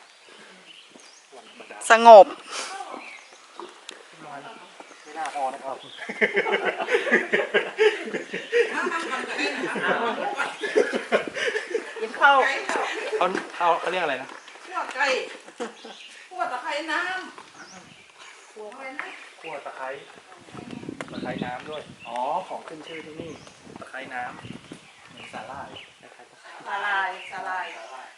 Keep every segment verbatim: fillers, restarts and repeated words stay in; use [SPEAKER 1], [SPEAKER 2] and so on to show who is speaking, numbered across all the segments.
[SPEAKER 1] สงบ
[SPEAKER 2] ไม่น่าพอนะครับ
[SPEAKER 3] กินข้าว
[SPEAKER 2] เขาเขาเขาเรียกอะไรนะ
[SPEAKER 3] ขั่วไก่ขั่วตะไคร้น้ำขั่วอะไรนะ
[SPEAKER 2] ขั่วตะไคร้ตะไคร้น้ำด้วยอ๋อของขึ้นชื่อที่นี่ตะไคร้น้ำเหมือนสาหร่ายตะไคร้ตะไคร้
[SPEAKER 3] สาลายสาลาย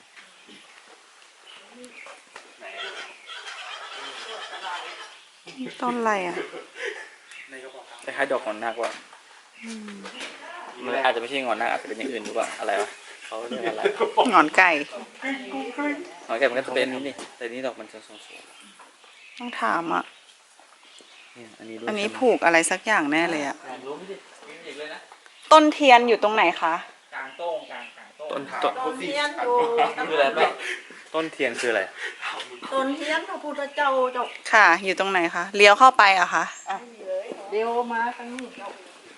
[SPEAKER 1] ต้นอะไรอ่ะ
[SPEAKER 2] คล้ายๆดอกงอนนาคว่ะมันอาจจะไม่ใช่งอนนาคอาจจะเป็นอย่างอื่นหรือเปล่าอะไรวะเขาเรียกอะไร
[SPEAKER 1] หงอนไก่
[SPEAKER 2] งอนแก่มันก็จะเป็นนี่นี่แต่นี่ดอกมันจะสูง
[SPEAKER 1] ต้องถามอ่ะ
[SPEAKER 2] ๆเนี่ยอันนี้ด้วย
[SPEAKER 1] อันนี้ผูกอะไรสักอย่างแน่เลยอ่ะ
[SPEAKER 2] รู้ไม่ดิมีอีกเลยนะ
[SPEAKER 1] ต้นเทียนอยู่ตรงไหนคะ
[SPEAKER 2] กลางโต้งกลางกลางโต้งต้นต้น
[SPEAKER 3] ต้นเทียนอยู่
[SPEAKER 2] คืออะไรแม่ต้นเทียนคืออะไร
[SPEAKER 3] ต้นเทียนพระพุทธเจ้าเจ้า
[SPEAKER 1] ค่ะ อยู่ตรงไหนคะเลี้ยวเข้าไปอะคะ
[SPEAKER 3] อ่ะเดี๋ยวมาทางนี้เจ้า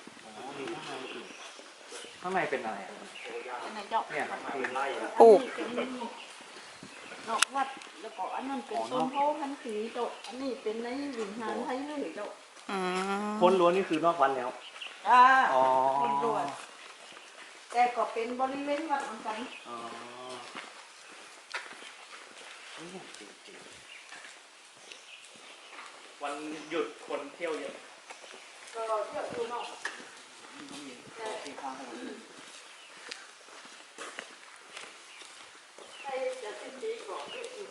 [SPEAKER 2] ข้างในเป็นอะไร
[SPEAKER 3] ไหนเจ้า
[SPEAKER 2] เนี่ยครับคือไล่
[SPEAKER 1] ปลูก
[SPEAKER 3] นอกวัดแล้วก็อันนั้นเป็นต้นโพพันธุ์สีเจ้าอันนี้เป็นในวิญญาณไทยเลยเจ้า
[SPEAKER 1] อืม
[SPEAKER 2] พ้นล้วนนี่คือนอกวัดแล้ว
[SPEAKER 3] อ่า
[SPEAKER 2] อ๋อ
[SPEAKER 3] คนรวยแต่ก็เป็นบริเวณวัดเหมือนกัน
[SPEAKER 2] อ๋อวันหยุดคนเที่ยวเยอะ
[SPEAKER 3] ก็เที่ยวอยู่นอกแต่ใครจะเป็นดีกว่าเยอะอยู่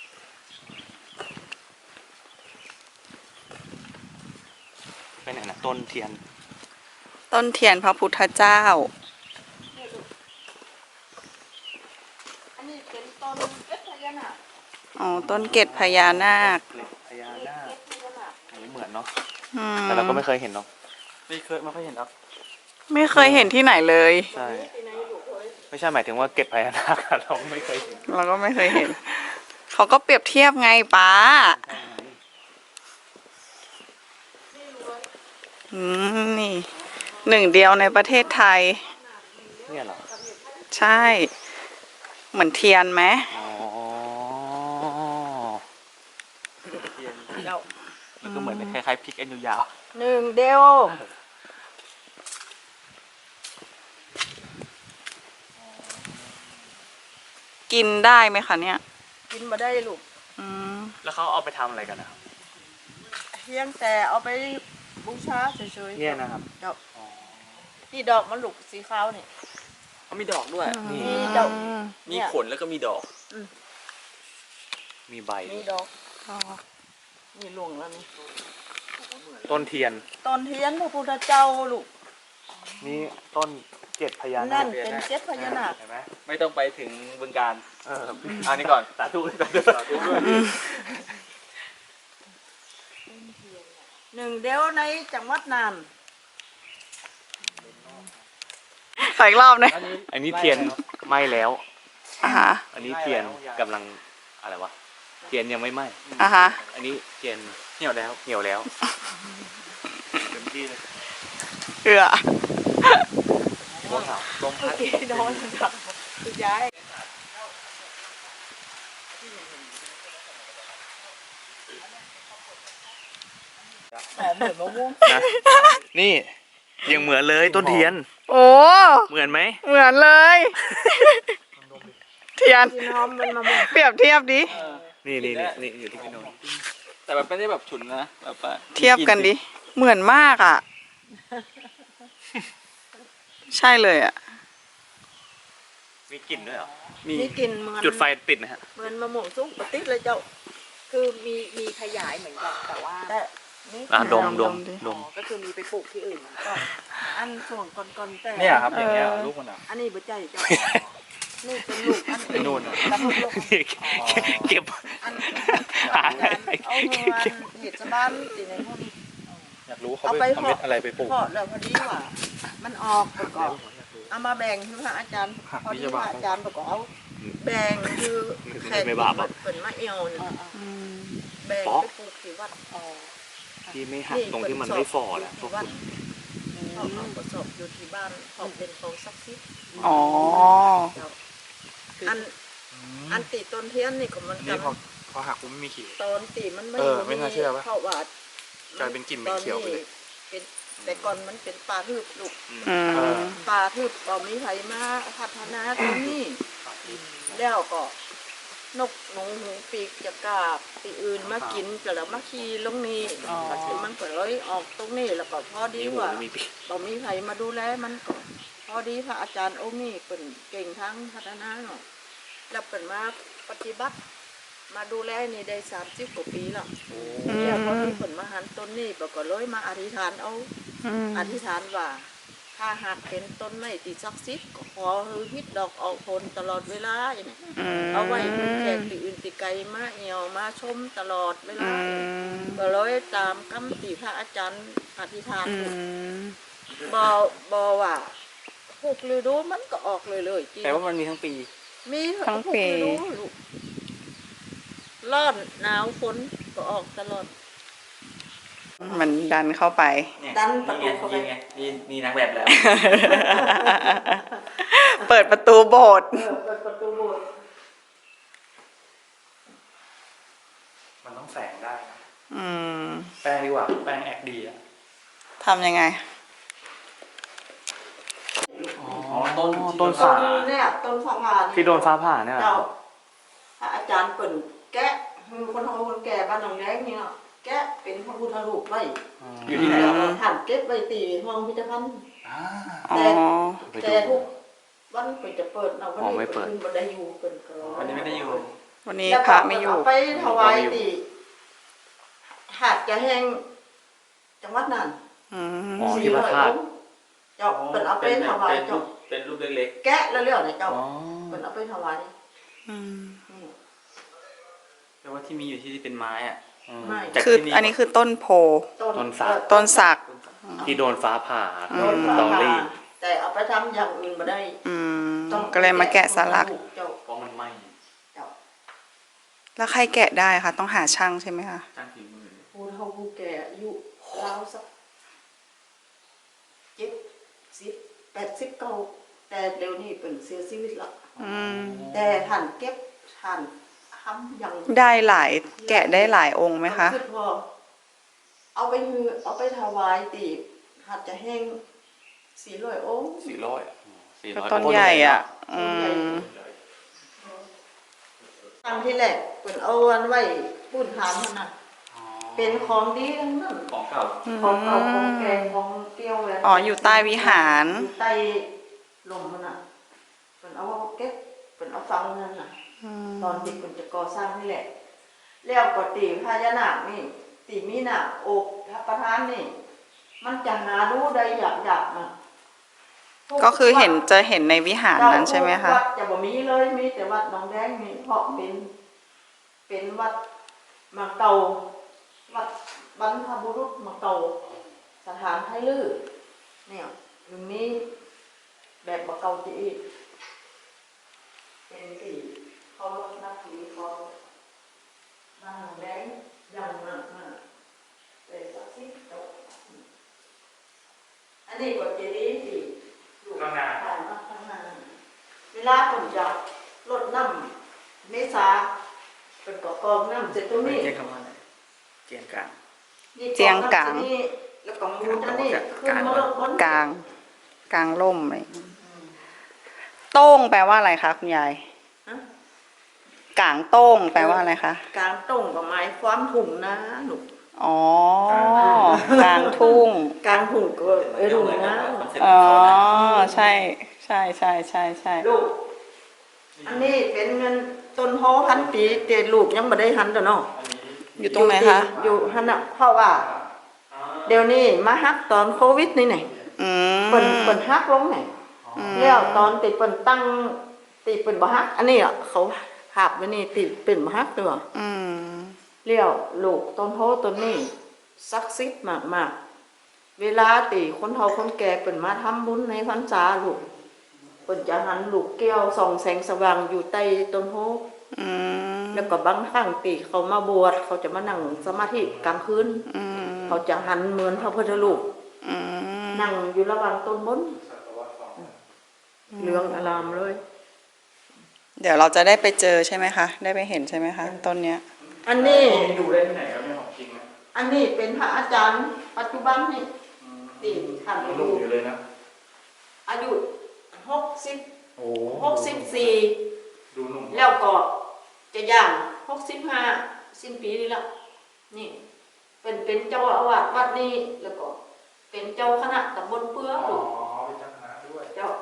[SPEAKER 2] ไปไหนนะต้นเทียน
[SPEAKER 1] ต้นเทียนพระพุทธเจ้า
[SPEAKER 3] อันนี้เป็นต้นเอฟพญานาค
[SPEAKER 1] อ๋อ ต้นเกศพญานาค
[SPEAKER 2] เกล็ดพญานาค
[SPEAKER 3] เอฟพญานาค
[SPEAKER 2] อันนี้เหมือนเนาะ
[SPEAKER 1] อืม
[SPEAKER 2] แต่เราก็ไม่เคยเห็นเนาะไม่เคยไม่ค่อยเห็นครับ
[SPEAKER 1] ไม่เคยเห็นที่ไหนเลย
[SPEAKER 2] ใช่
[SPEAKER 3] ที่ไหนอยู่เอ้ย
[SPEAKER 2] ไม่ใช่หมายถึงว่าเกล็ดพญานาคเราไม่เคยเห็น
[SPEAKER 1] เราก็ไม่เคยเห็น เขาก็เปรียบเทียบไงป้าอืมนี่ หนึ่งเดียวในประเทศไทย
[SPEAKER 2] เนี่ยเหรอ
[SPEAKER 1] ใช่ เหมือนเทียนไหม
[SPEAKER 2] อ๋อ
[SPEAKER 3] เจ้า
[SPEAKER 2] แล้วก็เหมือนคล้ายๆพริกอันยาว
[SPEAKER 3] หนึ่งเดียว
[SPEAKER 1] กินได้ไหมคะเนี่ย
[SPEAKER 3] กินมาได้ลูก
[SPEAKER 1] อืม
[SPEAKER 2] ๆแล้วเขาเอาไปทำอะไรกันนะครับ
[SPEAKER 3] เพียงแต่เอาไปบูชาเฉยๆ
[SPEAKER 2] เนี่ยนะครับ
[SPEAKER 3] เจ้านี่ดอกมันลูกสีขาวนี่
[SPEAKER 2] เขามีดอกด้วย
[SPEAKER 3] มีเจ้า
[SPEAKER 2] มีขนแล้วก็มีดอก
[SPEAKER 3] อืม
[SPEAKER 2] มีใบ
[SPEAKER 3] มีดอกนี่หลวงแล้วนี่
[SPEAKER 2] ต้นเทียน
[SPEAKER 3] ต้นเทียนพระพุทธเจ้าลูก
[SPEAKER 2] นี่ต้นเกล็ดพญานา
[SPEAKER 3] นั่
[SPEAKER 2] คน
[SPEAKER 3] เป็นเจ็ดพญานาค
[SPEAKER 2] เห็นไหมไม่ต้องไปถึงบึงการเอออันนี้ก่อนสาธุสาธุสาธุด้วย
[SPEAKER 3] หนึ่งเดียวในจังหวัดน่าน
[SPEAKER 1] ขออีกรอบนะ
[SPEAKER 2] อันนี้เทียนไหม้แล้ว
[SPEAKER 1] อ่ะฮะ
[SPEAKER 2] อันนี้เทียนกำลังอะไรวะ เทียนยังไม่ไหม้
[SPEAKER 1] อ่ะฮะ
[SPEAKER 2] อันนี้เทียนเหี่ยวแล้วเหี่ยวแล้วเต็มที่เลย
[SPEAKER 1] เอือ
[SPEAKER 2] ลมหนาวลมพัด
[SPEAKER 3] โดนครับคุณยาย หอมเหมือนมะม่วง
[SPEAKER 2] นะนี่ยังเหมือนเลยต้นเทียน
[SPEAKER 1] โอ้
[SPEAKER 2] เหมือนไหม
[SPEAKER 1] เหมือนเลย เทียน
[SPEAKER 3] กินหอมเป็นมะม่วง
[SPEAKER 1] เปรียบเทียบดิ
[SPEAKER 2] นี่นี่นี่นี่อยู่ที่พี่โนนแต่แบบไม่ได้แบบฉุนนะแบบว่า
[SPEAKER 1] เทียบกันดิ เหมือนมากอ่ะ ใช่เลยอ่ะ
[SPEAKER 2] มีกลิ่นด้วยเหรอ
[SPEAKER 3] มีกลิ่นเหมือน
[SPEAKER 2] จุดไฟติดนะฮะ
[SPEAKER 3] เหมือนมะม่วงสุกปะติดเลยเจ้า
[SPEAKER 4] คือมีมีขยายเหมือนกันแต่ว่า
[SPEAKER 3] แต่นี่
[SPEAKER 2] อ่ะดมด
[SPEAKER 1] ด
[SPEAKER 2] ม
[SPEAKER 1] มดิ
[SPEAKER 2] ด
[SPEAKER 4] อ๋อ
[SPEAKER 2] ม
[SPEAKER 4] ก็คือมีไปปลูกที่อื่น
[SPEAKER 3] ก็อันส่วนก่อนๆแต่
[SPEAKER 2] เนี่ยครับอย่างเงี้ยลูกมันอ่ะ
[SPEAKER 3] อันนี้บ่ใจเจ้า นี่เป็นลูกอัน
[SPEAKER 2] ไอ้นู่นอะ
[SPEAKER 3] แล้วลูก
[SPEAKER 2] เก็บ
[SPEAKER 3] อัน
[SPEAKER 2] หา
[SPEAKER 3] เอาเงินเห็ดชาวบ้านตีในพวกนี้
[SPEAKER 2] อยากรู้เขา
[SPEAKER 3] เอา
[SPEAKER 2] ไป
[SPEAKER 3] ไป
[SPEAKER 2] ทำเม็ดอะไรไปปลูก
[SPEAKER 3] เพาะแล้วพอดีว่ามันออกประกอบเอามาแบ่งคือพระอาจารย์พอดีพระอาจารย์ประกอบเอาแบ่งคือแขกเปิดมาเอวนี่
[SPEAKER 1] อืม
[SPEAKER 3] แบ่งไปปลูกที่วัด
[SPEAKER 4] อ๋อ
[SPEAKER 2] ที่ไม่หักตรงที่มันไม่ฝ่อแหละพวก
[SPEAKER 3] วัดเขาเอาประสบอยู่ที่บ้านเขาเป็นของศักดิ์สิทธิ์
[SPEAKER 1] อ๋อ
[SPEAKER 3] อันอันตีต้นเทียนนี่ก็มัน
[SPEAKER 5] นี่พอพอหักปุ๊บไม่มีขีด
[SPEAKER 3] ตอนตีมันไม่
[SPEAKER 5] เออไม่น่าเชื่อปะ
[SPEAKER 3] เพราะว่าก
[SPEAKER 5] ลายเป็นกลิ่นเหม็นเขียวไปเลย
[SPEAKER 3] เป็นแต่ก่อนมันเป็นป่าทึบลูก
[SPEAKER 1] อื
[SPEAKER 5] เอ
[SPEAKER 1] ม
[SPEAKER 5] อ
[SPEAKER 3] ป่าทึบบ่มีไผมาพัฒนาตรงนี้แล้วก็นกหนูหูปีกจะกาบปีอื่นมากินก็แล้วมาขี่ลงนี้มันก็เลยออกตรงนี้แล้วก็พอดีว่า
[SPEAKER 5] มีปี
[SPEAKER 3] บ่มีใครมาดูแลมันก็พอดีพระอาจารย์องค์นี้เป็นเก่งทั้งพัฒนาเนาะแล้วเป็นมาปฏิบัติมาดูแลนี่ได้สามสิบกว่าปีแล้วแล้วพอดีเป็นมาหันต้นนี้บอกก็เลยมาอธิษฐานเอา
[SPEAKER 1] อืม
[SPEAKER 3] อธิษฐานว่าถ้าหากเป็นต้นไม้ที่ศักดิ์สิทธิ์ก็ขอให้ฮิตดอกออกผลตลอดเวลาอย่างนี้
[SPEAKER 1] อืม
[SPEAKER 3] เอาไว้เป็นแขกที่อื่นที่ไกลมาเอี่ยวมาชมตลอดเว
[SPEAKER 1] อื
[SPEAKER 3] ลา
[SPEAKER 1] ม
[SPEAKER 3] ก็เลยตามคำที่พระอาจารย์อธิษฐาน
[SPEAKER 1] อืม
[SPEAKER 3] บอบอว่าหกฤดูมันก็ออกเลยเลยจริง
[SPEAKER 2] แต่ว่ามันมีทั้งปี
[SPEAKER 3] มี
[SPEAKER 1] ทั้งปี
[SPEAKER 3] หกฤดูลูกร้อนหนาวฝนก็ออกตลอด
[SPEAKER 1] มันดันเข้าไป
[SPEAKER 2] เนี่ย
[SPEAKER 3] ดันประตูเข้าไป
[SPEAKER 2] นี่ไงนี่มีนางแบบแล้ว
[SPEAKER 1] เปิดประตูโบสถ์
[SPEAKER 3] เออเปิดประตูโบสถ์
[SPEAKER 2] มันต้องแสงได้นะ
[SPEAKER 1] อืม
[SPEAKER 2] แป้งดีกว่า แป้งแอกดีอ่ะ
[SPEAKER 1] ทำยังไง
[SPEAKER 2] อ๋อ ต้น
[SPEAKER 5] ต้น
[SPEAKER 3] ต้
[SPEAKER 5] สาน
[SPEAKER 3] เนี่ยต้นสะพาน
[SPEAKER 5] ที่โดนฟ้าผ่าเนี่ยเหร
[SPEAKER 3] เจ้า
[SPEAKER 5] อ
[SPEAKER 3] พระอาจารย์เปิ่นแกะคือคนทำคนแก่บ้านหนองแดงนี่เนาะแกะเป็นพระพุทธรูปไว้
[SPEAKER 2] อยู่ที่ไหน
[SPEAKER 3] แล้ว
[SPEAKER 2] ครับ
[SPEAKER 3] ก็หันเก็บไว้ตีห้องพิพิธภัณฑ์
[SPEAKER 5] อ่า
[SPEAKER 1] อ๋อ
[SPEAKER 3] แต่ทุกวันเปิดจะเปิดเนาะวัน
[SPEAKER 5] อ๋อ
[SPEAKER 3] นี้
[SPEAKER 5] ไม่เปิด
[SPEAKER 3] นบันไดอยู่เปิดก็
[SPEAKER 2] วันนี้ไม่ได้อยู่
[SPEAKER 1] วันนี้พระไม่อยู่
[SPEAKER 3] แล้วก็เาไปถวายตีหาดจะแห้งจังหวัดนั่น
[SPEAKER 1] อืม
[SPEAKER 5] อ๋อที่พระธาตุ
[SPEAKER 3] เจ้าเปิดเอาไปถวาย
[SPEAKER 2] เป็นรู
[SPEAKER 3] เจ้า
[SPEAKER 2] ปเป็นรูปเล็ก
[SPEAKER 3] แกะแล้วเรื่องเนี่ย
[SPEAKER 5] อ๋
[SPEAKER 3] เจ้า
[SPEAKER 5] อ
[SPEAKER 3] เปิดเอาไปถวาย
[SPEAKER 1] อืม
[SPEAKER 3] อืม
[SPEAKER 2] ๆแต่ว่าที่มีอยู่ที่เป็นไม้อ่ะอืม
[SPEAKER 3] ไม่
[SPEAKER 2] จาก
[SPEAKER 1] คือ
[SPEAKER 2] ที่
[SPEAKER 1] อันนี้คือต้นโพ
[SPEAKER 5] ต้นสัก
[SPEAKER 1] ต้นสัก
[SPEAKER 5] ที่โดนฟ้าผ่า
[SPEAKER 3] โดนฟ้า
[SPEAKER 5] ตองรี
[SPEAKER 3] ผ่าแต่เอาไปทำอย่างอื่นมาได้
[SPEAKER 1] อืม
[SPEAKER 3] ต้อง
[SPEAKER 1] ก็เลยมาแกะสลัก
[SPEAKER 3] เจ้า
[SPEAKER 2] เพราะมันไหม้
[SPEAKER 3] เจ้า
[SPEAKER 1] แล้วใครแกะได้คะ ต้องหาช่างใช่ไหมคะ
[SPEAKER 2] จ้างฝีมือ
[SPEAKER 3] ผู้เฒ่าผู้แก่อายุราวสักเจ็ดสิบแปดสิบเก้าแต่เดี๋ยวนี้เป็นเสียชีวิตแล้ว
[SPEAKER 1] อืม
[SPEAKER 3] แต่ท่านเก็บท่านทำอย่าง
[SPEAKER 1] ได้หลาย แกะได้หลายองค์ไหมคะ
[SPEAKER 3] อว่าเอาไปฮือเอาไปถวายตีบหัดจะแห้งสี่ร้อยองค์
[SPEAKER 2] สี่ร้อยอ่ะสี่
[SPEAKER 1] ก็
[SPEAKER 2] ร้อย
[SPEAKER 1] ต้นใหญ่อ่ะ อืม
[SPEAKER 3] ครั้งที่แรกเป็นเอาอันไว้ปุ่นฐานมันน่ะเป็นของดีทั้งนั้น
[SPEAKER 2] ของเก่า
[SPEAKER 3] ของเก่าของแกงของเปรี้ยวแหวน
[SPEAKER 1] อ๋ออยู่ใต้วิหาร
[SPEAKER 3] อยู่ใต้ลมมันน่ะเป็นเอาเก็บเป็นเอาฟังนั่นน่ะ
[SPEAKER 1] อืม
[SPEAKER 3] ตอนที่เป็นจะก่อสร้างนี่แหละแล้วก็ตีพญานาคนี่ตีมีหนาอกพระประธานนี่ มันจะหาดูได้อยากอยากๆนะ
[SPEAKER 1] ก็คือเห็นจะเห็นในวิหารนั้นใช่ไหมคะ
[SPEAKER 3] วัดจะบ่มีเลยมีแต่วัดหนองแดงนี่เพราะเป็นเป็นวัดมาเก่าวัดบรรพบุรุษมาเก่าสถานไทยลือเนี่ยตรงนี้แบบมาเก่าจีอีกเป็นที่เขานับถือเขาบ้านหนองแดงยังมากมากเลยสักสิบโตอันนี้ก็เจดีย์ที่อยู่ข้างหน้าข้างหน้าเวลาผมจะลดน้ำเมษาเป็นกอกองน้ำเสร็จตรงนี้
[SPEAKER 2] เจียงคำว่าอะไรเจียงกลาง
[SPEAKER 1] เจียงกลาง
[SPEAKER 3] นี่แล้วก็มูนอันนี้ขึ้นมาลดบน
[SPEAKER 1] กลาง กลางร่มอะไรอย่างเงี้ยโต้งแปลว่าอะไรคะคุณยาย
[SPEAKER 3] ฮะ
[SPEAKER 1] กลางโต้งแปลว่าอะไรคะ
[SPEAKER 3] กลางตรงกับไม้ความถุงนะหนู
[SPEAKER 1] อ๋อ กลางทุ่ง
[SPEAKER 3] กลางถุงก็เออถุงนะ
[SPEAKER 1] อ๋อ ใช่ ใช่ใช่ใช่ใช่
[SPEAKER 3] ลูกอันนี้เป็นเงินต้นโฮพันปีเตลูกยังไม่ได้หันตัวเนาะ
[SPEAKER 1] อยู่ตรงไหนคะ
[SPEAKER 3] อยู่หันอ่ะเพราะว่า เดี๋ยวนี้มาฮักตอนโควิดนี่ไง
[SPEAKER 1] อืม
[SPEAKER 3] เปิ่นเปิ่นฮักลงไง
[SPEAKER 1] อืม
[SPEAKER 3] แล้วตอนติเปิ่นตั้งติเปิ่นบ่ฮัก อันนี้อ่ะเขาภาพไว้นี่ติเปิ่นบ่ฮักตัว
[SPEAKER 1] อืม
[SPEAKER 3] เลี้ยวลูกต้นโพต้นนี้ศักดิ์สิทธิ์มากๆเวลาตีคนเฒ่าคนแก่เปิ่นมาทำบุญในพรรษาลูกเปิ่นจะหันลูกแก้วส่องแสงสว่างอยู่ใต้ต้นโพ
[SPEAKER 1] อืม
[SPEAKER 3] แล้วก็บางครั้งตีเขามาบวชเขาจะมานั่งสมาธิกลางคืน
[SPEAKER 1] อืม
[SPEAKER 3] เขาจะหันเหมือนพระพุทธรูป
[SPEAKER 1] อืม
[SPEAKER 3] นั่งอยู่ระหว่างต้นมนต์เหลืองอลามเลย
[SPEAKER 1] เดี๋ยวเราจะได้ไปเจอใช่ไหมคะ ได้ไปเห็นใช่ไหมคะต้นเนี้ย
[SPEAKER 3] อันนี้
[SPEAKER 2] ดูได้ที่ไหนครับไม่ของจริงนะ
[SPEAKER 3] อันนี้เป็นพระอาจารย์ปัจจุบันนี่ตีท่าน
[SPEAKER 2] ยัง
[SPEAKER 3] อา
[SPEAKER 2] หนุ่
[SPEAKER 3] ยุ
[SPEAKER 2] มอยู่เลยนะ
[SPEAKER 3] อายุหกสิบ
[SPEAKER 2] โอ้
[SPEAKER 3] หกสิบสี่
[SPEAKER 2] ดูหนุ่ม
[SPEAKER 3] แล้วก็จะย่างหกสิบห้าสิ้นปีนี้ละนี่ เป็นเป็นเจ้าอาวาสวัดนี้แล้วก็ เป็นเจ้าคณะตำบลเปื้อ
[SPEAKER 2] อ๋อ
[SPEAKER 3] ลูก
[SPEAKER 2] เป็นเจ้าคณะด้วย
[SPEAKER 3] เจ้า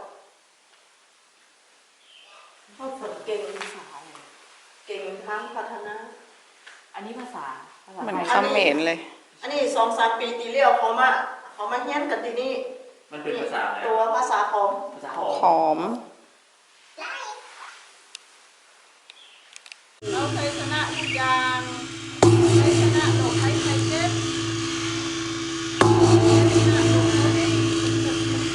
[SPEAKER 3] เขาฝึกเก่ง
[SPEAKER 4] ภาษาอะไร
[SPEAKER 3] เก่งทั้งพัฒนา
[SPEAKER 4] อันนี้ภาษาภาษา
[SPEAKER 1] เหมือน
[SPEAKER 4] ไทย
[SPEAKER 1] เขมรเลย
[SPEAKER 3] อันนี้สองสามปีตีเลี้ยวเขามาเขามาเฮียนกันที่นี่
[SPEAKER 2] มันเป็นภาษาอะไร
[SPEAKER 3] ตัวภาษาของ
[SPEAKER 2] ภาษาหอ
[SPEAKER 1] หอม
[SPEAKER 3] เราเคยชนะทุกอย่างเคยชนะโลกไทยไทยเจ็บเคยชนะโลกไทย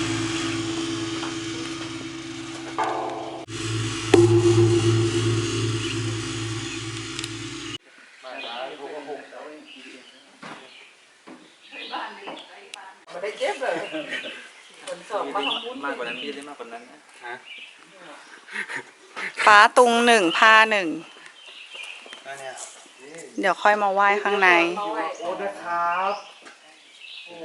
[SPEAKER 4] ไม่ได้เจ็บเลยคนสอบมาทำบุญ
[SPEAKER 2] มากกว่านั้นพี่ได้มากกว่านั้นนะฮะ
[SPEAKER 1] ฟ้าตุงหนึ่งผ้าหนึ่ง
[SPEAKER 2] นั่นเนี่ย
[SPEAKER 1] เดี๋ยวค่อยมาไหว้ข้างใน
[SPEAKER 2] โอ้นะครับ โอ้โห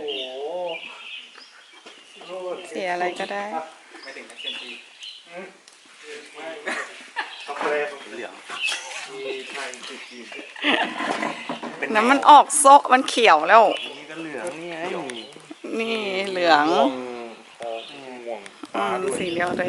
[SPEAKER 1] เสียอะไรก็ได้
[SPEAKER 2] ไม่ถึงนักเซนตีช็อกโกแลตเหลืองมีไทยจุดจีน
[SPEAKER 1] น้ำมันออกโซะมันเขียวแล้ว
[SPEAKER 2] นี่ก็เหลืองนี่ไง
[SPEAKER 1] นี่เหลือง
[SPEAKER 2] ม่วงทองม่วง
[SPEAKER 1] อืมสีเหลืองตัวเอง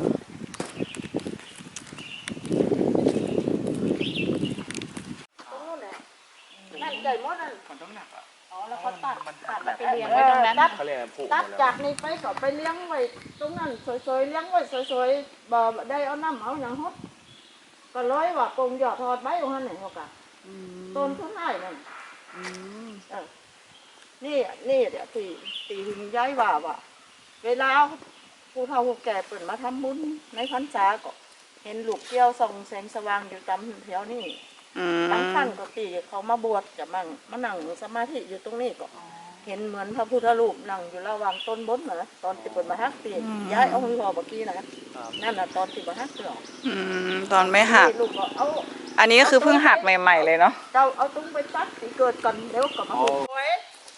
[SPEAKER 3] นั่นใจมดนั่น
[SPEAKER 2] มันต้องหนักอ่ะ
[SPEAKER 4] อ๋อแล้วเขาตัดตัดแล้วไป
[SPEAKER 3] เอ
[SPEAKER 4] เลี้ยงไว้ตรงนั้น
[SPEAKER 3] ตัด
[SPEAKER 2] เขาเรียกผูก
[SPEAKER 3] ตัดจากนี้ไปก็ไปเลี้ยงไว้ตรงนั้นสวยๆเลี้ยงไว้สวยๆบ่ได้เอาน้ำเอาอย่างฮดก็ร้อยว่าปงหยอดทอดใบของนั่นไหนเขากะต้นทุนได้นั่นเออนี่นี่เดี๋ยวตีตีหิงย้ายว่าว่าเวลาผู้เฒ่าผู้แก่เปิดมาทำบุญในพรรษาก็เห็นลูกเกี้ยวส่องแสงสว่างอยู่ตามแถวนี่
[SPEAKER 1] อื
[SPEAKER 3] บาง
[SPEAKER 1] ม
[SPEAKER 3] ท่านก็ตีเขามาบวชจะมั่งมานั่งสมาธิอยู่ตรงนี้ก็เห็นเหมือนพระพุทธรูปนั่งอยู่ระหว่างต้นบนนะตอนที่เปิดมาฮักตีย้ายเอาหัวเมื่อกี้นะนั่นน่ะตอนที่มาฮักเปล่า
[SPEAKER 1] อืมตอนไม่หัก
[SPEAKER 3] ลูกก็เอา
[SPEAKER 1] อันนี้ก็คือเพิ่งหักใหม่ๆเลยเนาะ
[SPEAKER 3] เจ้าเอาตุ้งไปตัดตีเกิดก่อนเดี๋ยวก็มาหุบไว้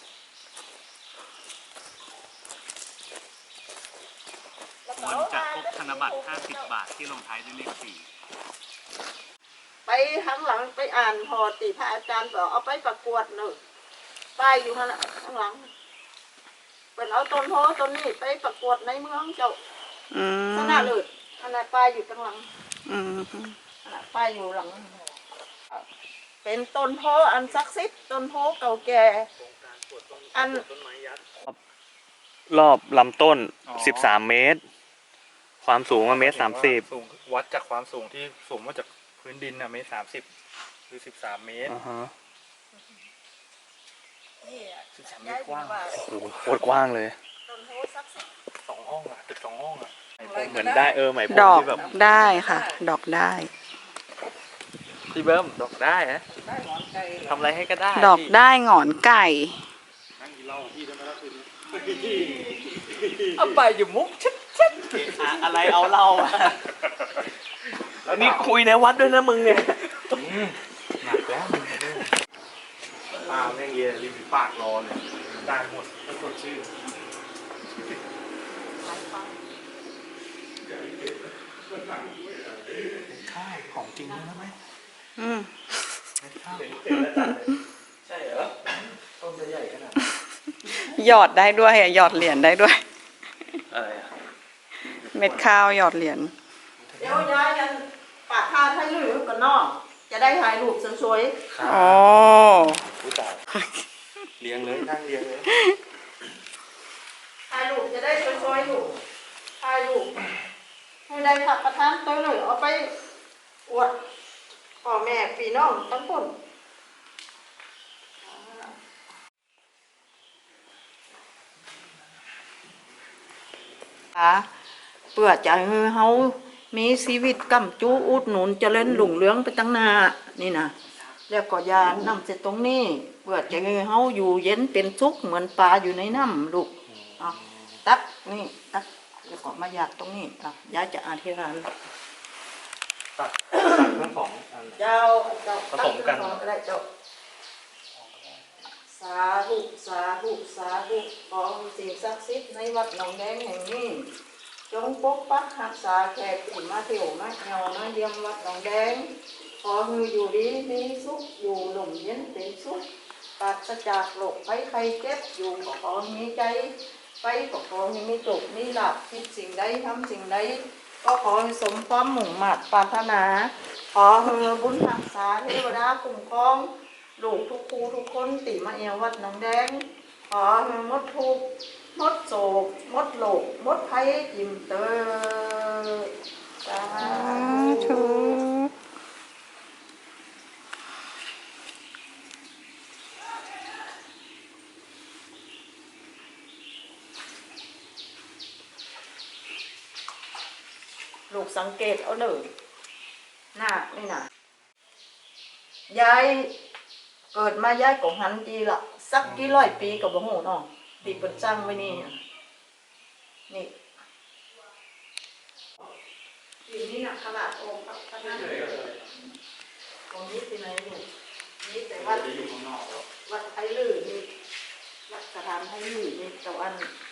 [SPEAKER 5] บอลจะพบธนบัตรห้าสิบบาทที่ลงท้ายด้วยเลขสี่
[SPEAKER 3] ไปข้างหลังไปอ่านพอตีพระอาจารย์บอกเอาไปประกวดหนึ่งป้ายอยู่ข้างหลังข้างหลังเป็นเอาต้นโพต้นนี้ไปประกวดในเมืองเจ้า
[SPEAKER 1] อืม
[SPEAKER 3] ชนะเลยอันนั้นป้ายอยู่ข้างหลัง
[SPEAKER 1] อืม
[SPEAKER 3] อันนั้นป้ายอยู่หลัง เป็นต้นโพอันศักดิ์สิทธิ์ต้นโพเก่าแก่อัน
[SPEAKER 5] รอบลำต้นสิบสามเมตร ความสูงว่าเมตรสามสิบ
[SPEAKER 2] สูงวัดจากความสูงที่สูงมาจากพื้นดินน่ะเมตรสามสิบคือสิบสามเมตร
[SPEAKER 5] อ่าฮะ
[SPEAKER 3] นี่อะ
[SPEAKER 2] สิบสามเมตรกว้าง
[SPEAKER 5] โอ้โหโคตรกว้างเลย
[SPEAKER 3] ต้นโพศักดิ์สิทธิ์
[SPEAKER 2] สองห้องอ่ะตึกสองห้องอ่ะ
[SPEAKER 5] เหมือนได้เออไหมพร
[SPEAKER 1] ด
[SPEAKER 5] ม
[SPEAKER 1] อก
[SPEAKER 5] ที่แบบ
[SPEAKER 1] ได้ค่ะ ดอกได้
[SPEAKER 2] พี่เบิ้มดอกได้ฮะ
[SPEAKER 3] ได้หมอนไก่
[SPEAKER 2] ทำอะไรให้ก็ได้
[SPEAKER 1] ดอกได้หงอนไก่
[SPEAKER 2] นั่งกินเหล้าพี่ได้ไหมล่ะคืนนี้เอาไปอยู่มุกชัดชัดอะไรเอาเหล้าอ่ะ
[SPEAKER 5] แล้วนี่คุยในวัดด้วยนะมึงเนี่ย
[SPEAKER 2] หนักแล้วมึงปาแม่งเรียนริมฝีปากรอเลยได้หมดไม่สดชื่อข้าวของจริงด้วยนะไหม
[SPEAKER 1] อืม
[SPEAKER 2] ใช่เหรอต้นจะใหญ่ขนาด
[SPEAKER 1] หยอดได้ด้วยอะหยอดเหรียญได้ด้วย
[SPEAKER 2] อะไรอ่ะ
[SPEAKER 1] เม็ดข้าวหยอดเหรียญ
[SPEAKER 3] เดี๋ยวย้ายกันปากท่าให้ลือกับน้องจะได้ถ่ายรูปสวย
[SPEAKER 1] อ๋อ
[SPEAKER 2] ผู้ตายเลี้ยงเลยนั่งเลี้ยงเลย
[SPEAKER 3] ๆถ่ายรูปจะได้สวยๆอยู่ถ่ายรูปให้ได้ขับประทานตัวหนึ่งเอาไปอวดพ่อแม่พี่น้องทั้งคน เพื่อจะให้เฮามีชีวิตกำจูอุดหนุนเจริญรุ่งเรืองไปตั้งหน้านี่นะแล้วก็อยานำเสร็จตรงนี้เพื่อจะให้เฮาอยู่เย็นเป็นสุขเหมือนปลาอยู่ในน้ำลูกอ่ะตักนี่ตักแล้วก็มาหยาดตรงนี้อ่ะยายจะอธิษฐาน
[SPEAKER 5] ตัดตัดทั้งสองอัน
[SPEAKER 3] เจ้าเจ้า
[SPEAKER 5] ผสมกัน
[SPEAKER 3] ตั้งก็ได้เจ้าสาธุสาธุสาธุขอสิ่งศักดิ์สิทธิ์ในวัดหนองแดงแห่งนี้จงปกปักรักษาแขกที่มาเที่ยวมาเที่ยวมาเยี่ยมวัดหนองแดงขอให้อยู่ดีมีสุขอยู่หล่มเย็นเป็นสุขปราศจากโรคภัยไข้เจ็บอยู่ก็ขอให้มีใจไปก็ขอให้มีโชคมีลาภคิดสิ่งใดทำสิ่งใดก็ขอให้สมความมุ่งมั่นปรารถนา ขอให้บุญรักษาเทวดาคุ้มครองลูกทุกครูทุกคนติมาเอววัดหนองแดงขอให้หมดทุกข์หมดโศกหมดโลกหมดภัยอิ่มเตอสา
[SPEAKER 1] สา
[SPEAKER 3] ธุ
[SPEAKER 1] ธุ
[SPEAKER 3] ลูกสังเกตเอาเลยหน้านี่นะยายเกิดมายายของหันดีละสักกี่ร้อยปีกับบ่ฮู้น้องตีเปิดจ้างไว้นี่นี่ทีนี้นะขนาดองค์พระพระนั่นตรงนี้ที่ไหนอยู่นี่แต่วัดวัดไทยลือนี่วัดสถานไทยลือนี่แต่วัน